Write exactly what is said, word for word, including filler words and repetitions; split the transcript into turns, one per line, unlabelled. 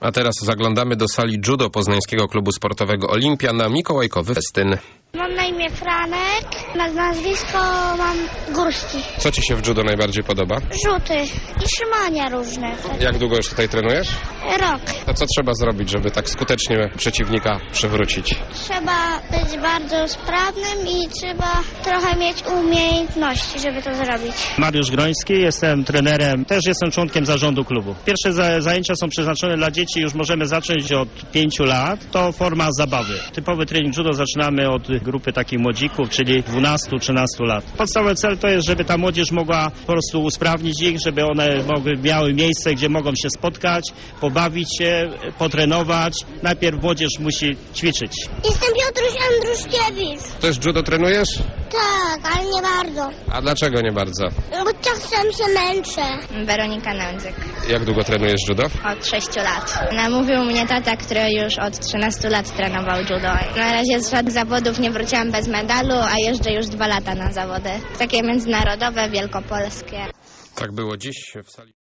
A teraz zaglądamy do sali judo Poznańskiego Klubu Sportowego Olimpia na mikołajkowy festyn.
Mam na imię Franek, na nazwisko mam Górski.
Co ci się w judo najbardziej podoba?
Rzuty i trzymania różne.
Jak długo już tutaj trenujesz?
Rok.
A co trzeba zrobić, żeby tak skutecznie przeciwnika przewrócić?
Trzeba być bardzo sprawnym i trzeba trochę mieć umiejętności, żeby to zrobić.
Mariusz Groński, jestem trenerem, też jestem członkiem zarządu klubu. Pierwsze za, zajęcia są przeznaczone dla dzieci, już możemy zacząć od pięciu lat. To forma zabawy. Typowy trening judo zaczynamy od grupy takich młodzików, czyli dwunastu trzynastu lat. Podstawowy cel to jest, żeby ta młodzież mogła po prostu usprawnić ich, żeby one mogły, miały miejsce, gdzie mogą się spotkać, pobawić się, potrenować. Najpierw młodzież musi ćwiczyć.
Jestem Piotruś Andruszkiewicz.
Też judo trenujesz?
Tak, ale nie bardzo.
A dlaczego nie bardzo?
Bo czasem się męczę.
Weronika Nędzyk.
Jak długo trenujesz judo?
Od sześciu lat. Namówił mnie tata, który już od trzynastu lat trenował judo. Na razie z żadnych zawodów nie wróciłam bez medalu, a jeżdżę już dwa lata na zawody. Takie międzynarodowe, wielkopolskie.
Tak było dziś w sali.